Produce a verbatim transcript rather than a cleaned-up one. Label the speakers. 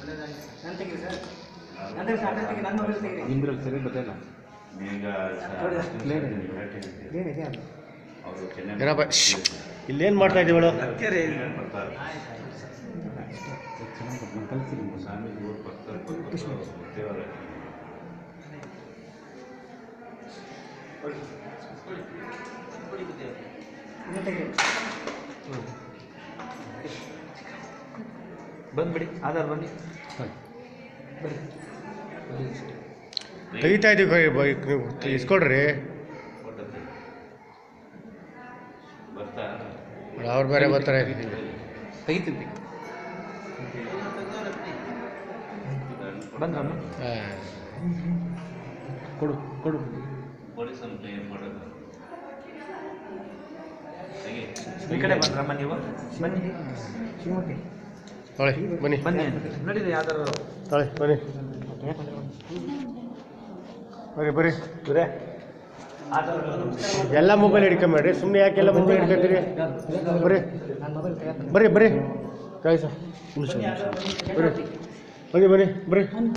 Speaker 1: ನಿಮ್ದ್ರಲ್ಲಿ ಸರಿ ಗೊತ್ತಿಲ್ಲ
Speaker 2: ಏನಪ್ಪ ಇಲ್ಲೇನು ಮಾಡ್ತಾ ಇದ್ದೀವಳು?
Speaker 1: ಬಂದ್ಬಿಡಿ ಆಧಾರ್ ಬನ್ನಿ
Speaker 2: ತೆಗಿತಾ ಇದ್ದೀವಿ ನೀವು ಇಸ್ಕೊಡ್ರಿ. ಅವ್ರು ಬೇರೆ ಬರ್ತಾರೆ.
Speaker 1: ತೆಗಿತೀನಿ ಬಂದ್ರಮ್ಮ ಕೊಡು ಕೊಡು ಈ ಕಡೆ ಬಂದ್ರಮ್ಮ ನೀವು ಬನ್ನಿ
Speaker 2: ತೊಳೆ ಬನ್ನಿ
Speaker 1: ಬನ್ನಿ ನೋಡಿದ್ರೆ ಯಾವ್ದಾರು
Speaker 2: ತೊಳೆ ಬನ್ನಿ ಬರ್ರಿ ಬರ್ರಿ ಬರೇ ಎಲ್ಲ ಮೊಬೈಲ್ ಹಿಡ್ಕೊಂಬೇಡ್ರಿ, ಸುಮ್ಮನೆ ಯಾಕೆಲ್ಲ ಮೊಬೈಲ್ ಹಿಡ್ಕೊತೀರಿ? ಬರ್ರಿ ಬರ್ರಿ ಬರ್ರಿ ಕಾಯಿ ಸರ್ ಬರ್ರಿ ಬನ್ನಿ ಬನ್ನಿ ಬರ್ರಿ